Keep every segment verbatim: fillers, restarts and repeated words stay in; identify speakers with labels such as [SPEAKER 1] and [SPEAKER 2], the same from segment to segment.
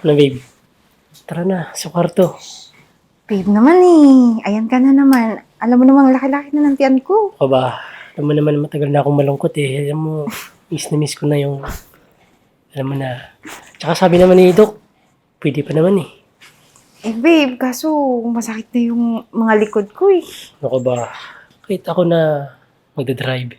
[SPEAKER 1] Ano, babe? Tara na, sa kwarto.
[SPEAKER 2] Babe naman eh. Ayan ka na naman. Alam mo namang laki-laki na ng tiyan ko.
[SPEAKER 1] O ba, alam mo naman matagal na akong malungkot eh. Alam mo, miss na miss ko na yung, alam mo na. Tsaka sabi naman ni Doc, pwede pa naman eh.
[SPEAKER 2] Eh babe, kaso masakit na yung mga likod ko eh.
[SPEAKER 1] Ano ba, kahit ako na magdadrive.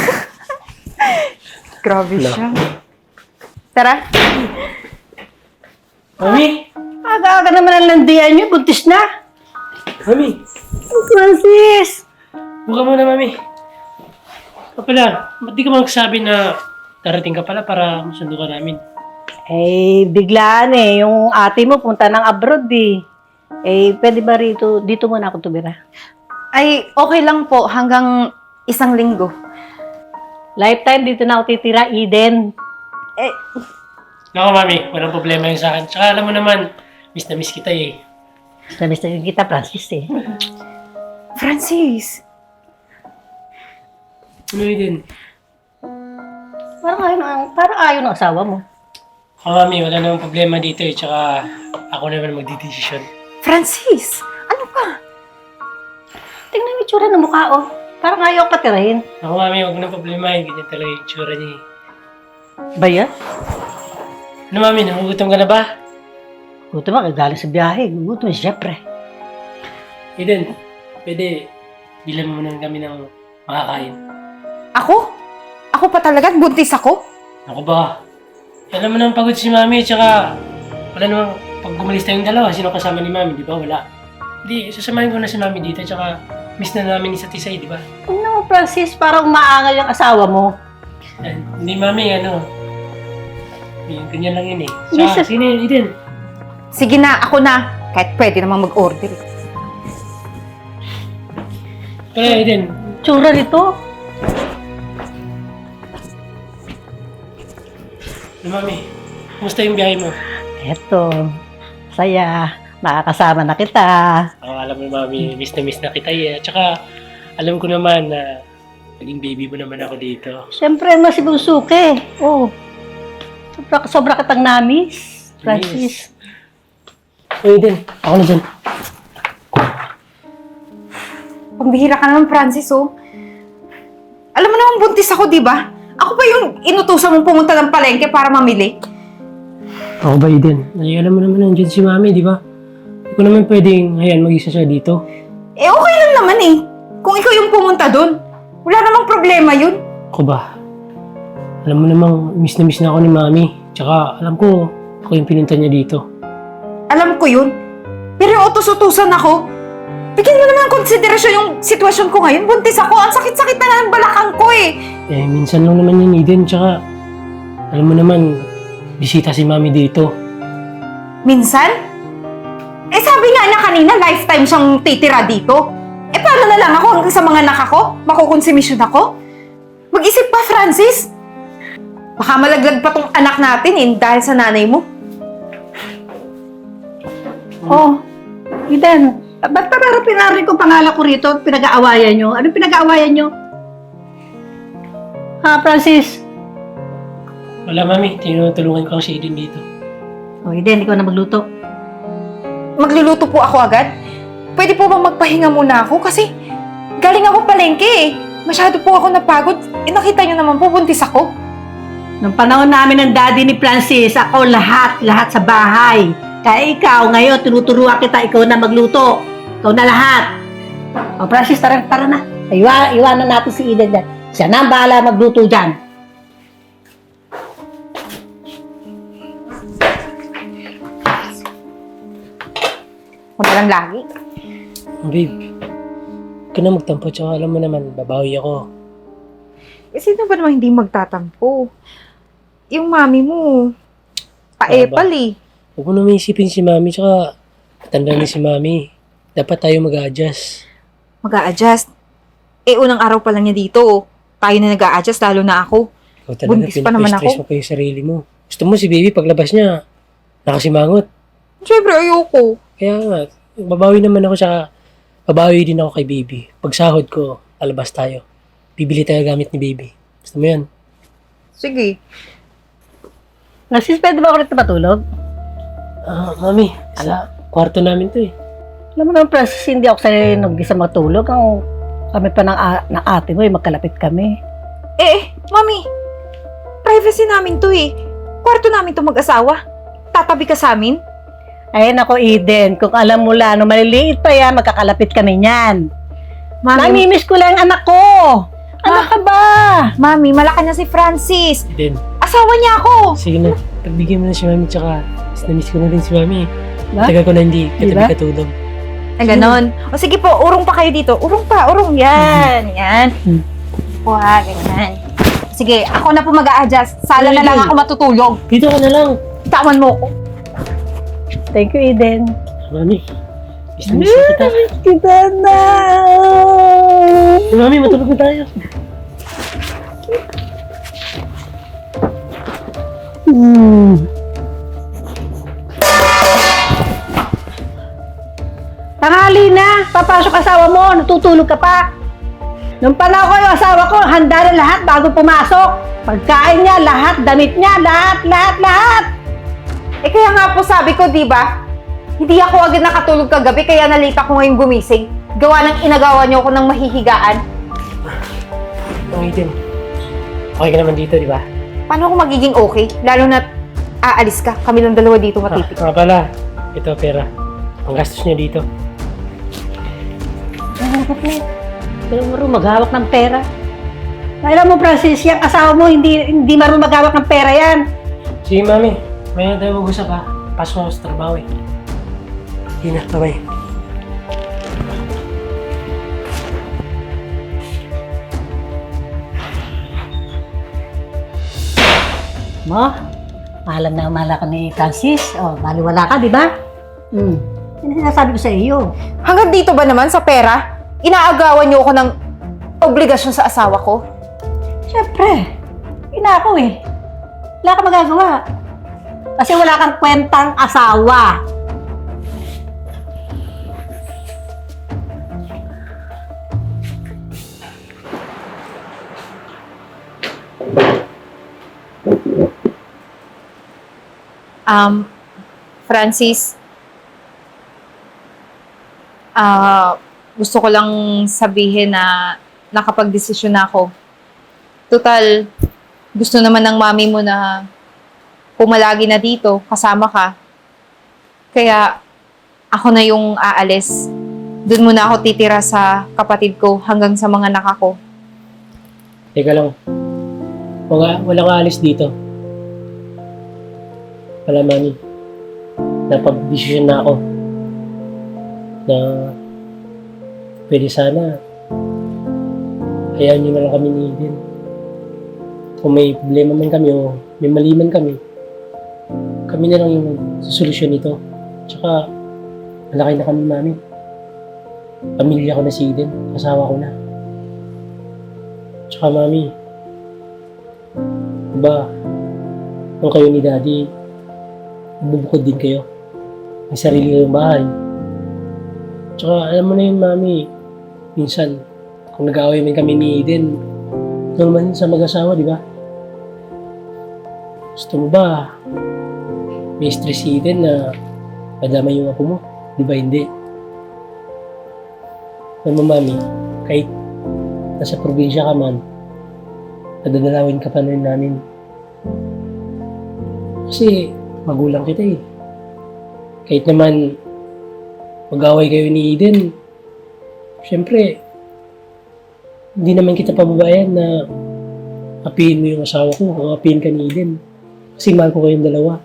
[SPEAKER 2] Grabe
[SPEAKER 1] No.
[SPEAKER 2] siya. Tara.
[SPEAKER 1] Mami!
[SPEAKER 3] Aga-aga naman ang landian niyo, buntis na.
[SPEAKER 1] Mami!
[SPEAKER 3] Francis!
[SPEAKER 1] Buka mo na, Mami. O pala, ba't di ka magsabi na darating ka pala para masundo ka namin?
[SPEAKER 3] Eh, biglaan eh. Yung ate mo punta ng abroad eh. Eh, pwede ba rito, dito muna ako tumira?
[SPEAKER 2] Ay, okay lang po hanggang isang linggo.
[SPEAKER 3] Lifetime dito na ako titira, Eden.
[SPEAKER 2] Eh,
[SPEAKER 1] Nako, Mami, walang problema yun sa akin. Tsaka alam mo naman, miss na miss kita eh.
[SPEAKER 3] Namiss na kita, Francis eh.
[SPEAKER 2] Francis.
[SPEAKER 1] Ano yun din?
[SPEAKER 3] Parang ayaw, ng- parang ayaw ng asawa mo.
[SPEAKER 1] O, Mami, wala namang problema dito eh. Tsaka ako naman magdidesisyon.
[SPEAKER 2] Francis! Ano pa?
[SPEAKER 3] Tingnan mo yung tsura ng mukha, oh. Parang ayaw patirahin.
[SPEAKER 1] Ako, Mami, huwag na problema eh. Ganyan talaga yung tsura niya eh.
[SPEAKER 3] Ba yan?
[SPEAKER 1] Ano, Mami, nagugutom ka na ba?
[SPEAKER 3] Gutom ka, galing sa biyahe. Gutom, siyempre.
[SPEAKER 1] Eden, pwede bilang mo muna kami ng makakain.
[SPEAKER 2] Ako? Ako pa talaga? Buntis ako?
[SPEAKER 1] Ako ba? Alam mo naman pagod si Mami, tsaka wala namang pag gumalis tayong dalawa, sino kasama ni Mami, di ba? Wala. Hindi, sasamahin ko na si Mami dito, tsaka miss na namin isa't isa, eh, di ba?
[SPEAKER 3] Ano, Francis, parang umaangal yung asawa mo.
[SPEAKER 1] Eh, hindi, Mami, ano, eh, ganyan lang yun eh.
[SPEAKER 3] Yes,
[SPEAKER 1] Tsaka,
[SPEAKER 3] sir.
[SPEAKER 1] sino yun, Eden?
[SPEAKER 2] Sige na, ako na. Kahit pwede namang mag-order.
[SPEAKER 1] Kaya, Eden,
[SPEAKER 3] Tsura nito.
[SPEAKER 1] ano, Mami, kumusta yung biyahe mo?
[SPEAKER 3] Eto, saya. Makakasama na kita.
[SPEAKER 1] Ako, alam mo, Mami, miss na miss na kita eh. Tsaka, alam ko naman na naging baby mo naman ako dito.
[SPEAKER 3] Siyempre, masibusuke. Oh. Sobra, sobra kitang namis, Francis.
[SPEAKER 1] Uy, Eden, ako na dyan.
[SPEAKER 2] Pambihira ka naman, Francis, oh. Alam mo naman, buntis ako, di ba? Ako pa yung inutusan mong pumunta ng palengke para mamili.
[SPEAKER 1] Ako ba, Eden? Ay, alam mo naman nandiyan si Mami, di ba? Hindi ko naman pwedeng, ayan, mag-isa siya dito.
[SPEAKER 2] Eh, okay lang naman eh. Kung ikaw yung pumunta doon, wala namang problema yun.
[SPEAKER 1] Ako ba? Alam mo namang, miss na miss na ako ni Mami. Tsaka, alam ko, ako yung pinunta niya dito.
[SPEAKER 2] Alam ko yun. Pero yung utos-utusan ako, bigyan mo naman ng konsiderasyon yung sitwasyon ko ngayon. Buntis ako. Ang sakit-sakit na nga ng balakang ko eh.
[SPEAKER 1] Eh, minsan lang naman yun, Eden. Tsaka, alam mo naman, bisita si Mami dito.
[SPEAKER 2] Minsan? Eh sabi nga niya kanina, lifetime siyang titira dito. Eh paano na lang ako hanggang sa mga anak ako? Makukonsumisyon ako? Mag-isip pa, Francis. Baka malaglag pa tong anak natin eh, dahil sa nanay mo.
[SPEAKER 3] Oh, Eden, ba't parang pinarinig ko pangalan ko rito at pinag-aawayan nyo? Anong pinag-aawayan nyo? Ha, Francis?
[SPEAKER 1] Wala, Mami. Tinutulungan ko ang si Eden dito.
[SPEAKER 3] Oh, Eden, ikaw na magluto.
[SPEAKER 2] Magluluto po ako agad? Pwede po bang magpahinga muna ako? Kasi galing ako palengke eh. Masyado po ako napagod. Eh nakita niyo naman po, buntis ako.
[SPEAKER 3] Nung panahon namin ng daddy ni Francis, ako lahat, lahat sa bahay. Kaya ikaw, ngayon, tinuturuan kita, ikaw na magluto. Ikaw na lahat. O, Francis, tara, tara na. Iwa, iwanan natin si Eden dyan. Siya na ang bahala magluto dyan.
[SPEAKER 2] Ako na lang lagi.
[SPEAKER 1] Babe, huwag ka na magtampo. Tsaka, alam mo naman, babawi ako.
[SPEAKER 2] Eh sino ba naman hindi magtatampo? Yung mami mo, paepal eh.
[SPEAKER 1] Huwag mo naman isipin si Mami. Tsaka, matanda na si Mami. Dapat tayo mag-a-adjust.
[SPEAKER 2] Mag-a-adjust. Eh unang araw pa lang niya dito oh. Tayo na nag-a-adjust, lalo na ako.
[SPEAKER 1] Ikaw talaga,
[SPEAKER 2] Buntis pa naman
[SPEAKER 1] pinapa-stress
[SPEAKER 2] ako.
[SPEAKER 1] mo pa yung sarili mo. Gusto mo si baby, paglabas niya, nakasimangot.
[SPEAKER 2] Siyempre, ayoko.
[SPEAKER 1] Kaya nga, babawi naman ako, tsaka babawi din ako kay baby. Pag sahod ko, alabas tayo. Bibili tayo gamit ni baby. Gusto mo yan?
[SPEAKER 2] Sige.
[SPEAKER 3] Francis, pwede ba ako rito matulog?
[SPEAKER 1] Ah, mami, sa kwarto namin to eh.
[SPEAKER 3] Alam mo naman, Francis, hindi ako sanay nag-isa matulog. Ang kami pa ng, a- ng ate mo, eh, magkalapit kami.
[SPEAKER 2] Eh, mami, privacy namin to eh. Kwarto namin to mag-asawa. Tatabi ka sa amin?
[SPEAKER 3] Ay, nako, Eden, kung alam mo lang, no, maliliit pa yan, magkakalapit kami niyan.
[SPEAKER 2] Mami,
[SPEAKER 3] Namimiss ko lang ang anak ko. Ano
[SPEAKER 2] Ma-
[SPEAKER 3] ka ba?
[SPEAKER 2] mami, malaki na si Francis.
[SPEAKER 1] Then,
[SPEAKER 2] Asawa niya ako.
[SPEAKER 1] sige na, pagbigyan mo na si mami, tsaka mas na-miss ko na rin si mami.
[SPEAKER 3] Ba?
[SPEAKER 1] Tagal ko na hindi katabi
[SPEAKER 3] Diba?
[SPEAKER 1] katulog.
[SPEAKER 2] Ah, ganon. O sige po, urong pa kayo dito. Urong pa, urong. Yan, yan.
[SPEAKER 3] Hmm.
[SPEAKER 2] Wah, ganyan. Sige, ako na po mag-a-adjust. Sala na
[SPEAKER 1] Sige.
[SPEAKER 2] lang ako matutulog.
[SPEAKER 1] Dito ka na lang.
[SPEAKER 2] Tawan mo ko.
[SPEAKER 3] Thank you, Eden.
[SPEAKER 1] Mami, miss na miss na kita.
[SPEAKER 3] Kita na!
[SPEAKER 1] Mami, matulog na tayo.
[SPEAKER 3] Hmm. Tanghali na! Papasok asawa mo, natutulog ka pa. Nung panahon ko yung asawa ko, handa na lahat bago pumasok. Pagkain niya, lahat, damit niya, lahat, lahat, lahat.
[SPEAKER 2] Eh kaya nga po sabi ko, di ba? Hindi ako agad nakatulog kagabi, kaya nalita ko ngayon gumising. Gawa ng inagawa niyo ako ng mahihigaan.
[SPEAKER 1] Ang itin. Okay ka naman dito, di ba?
[SPEAKER 2] Paano ako magiging okay? Lalo na aalis ka. Kami lang dalawa dito
[SPEAKER 1] Ah,
[SPEAKER 2] matipid.
[SPEAKER 1] nga pala. Ito, pera. Ang gastos niya dito.
[SPEAKER 3] Pero marunong maghawak ng pera. Alam mo, Francis, yung asawa mo, hindi hindi marunong maghawak ng pera yan.
[SPEAKER 1] Sige, mami. May na tayo mag-usap ha. Pasok ako sa trabaho eh. Sige na, bye-bye.
[SPEAKER 3] Mo, mahalan na mahala ka ni Francis. O, baliwala ka, di ba? Hmm. Yan ang sinasabi ko sa iyo.
[SPEAKER 2] Hanggang dito ba naman sa pera? Inaagawan niyo ako ng obligasyon sa asawa ko?
[SPEAKER 3] Siyempre, ina ako eh. Wala ka magagawa. Kasi wala kang kwentang asawa.
[SPEAKER 2] Um, Francis, ah, gusto ko lang sabihin na nakapag-desisyon na ako. Total, gusto naman ng mami mo na pumalagi na dito, kasama ka. Kaya, ako na yung aalis. Doon muna ako titira sa kapatid ko hanggang sa mga anak ko.
[SPEAKER 1] Teka lang. Wala, walang aalis dito. Wala, mami. Napag-desisyon na ako na pwede sana hayaan nyo na lang kami ni Eden. Kung may problema man kami o may mali man kami, kami na lang yung susolusyon nito. Tsaka, malaki na kami, mami. Pamilya ko na si Eden, asawa ko na. Tsaka, mami, diba, kung kayo ni Daddy, bubukod din kayo. May sarili kayong bahay. Tsaka, alam mo na yun, mami, minsan, kung nag-aaway man kami ni Eden, normal yun sa mag-asawa, di ba? Gusto mo ba, may stress si Eden na madama yung ako mo? Di ba hindi? Alam mo, mami, kahit nasa probinsya ka man, nadadalawin ka pa rin namin. Kasi, magulang kita eh. Kahit naman, mag-away kayo ni Eden, syempre, hindi naman kita pababayan na apihin mo yung asawa ko o apihin ka ni Eden. Kasi mahal ko kayong dalawa.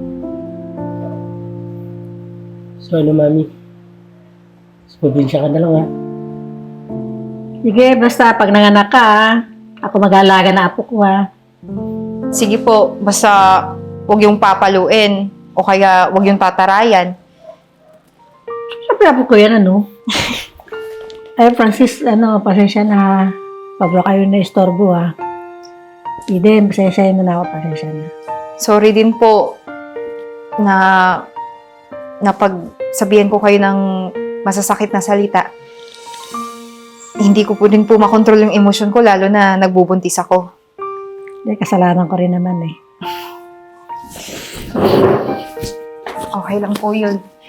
[SPEAKER 1] So ano, mami? Sa probinsya ka na lang, ha?
[SPEAKER 3] Sige, basta pag nanganak ka, ha? Ako mag-aalaga na apo ko, ha?
[SPEAKER 2] Sige po, basta huwag yung papaluin o kaya huwag yung tatarayan.
[SPEAKER 3] Siyempre apo ko yan, ano? Ay, Francis, ano, pasensya na. Pablo kayo na istorbo, ha? Eden, pasensya mo na ako, pasensya na.
[SPEAKER 2] Sorry din po na napagsabihan ko kayo ng masasakit na salita. Hindi ko po din po makontrol yung emosyon ko lalo na nagbubuntis ako.
[SPEAKER 3] Hindi, kasalanan ko rin naman, eh.
[SPEAKER 2] Oh, Okay lang po yun.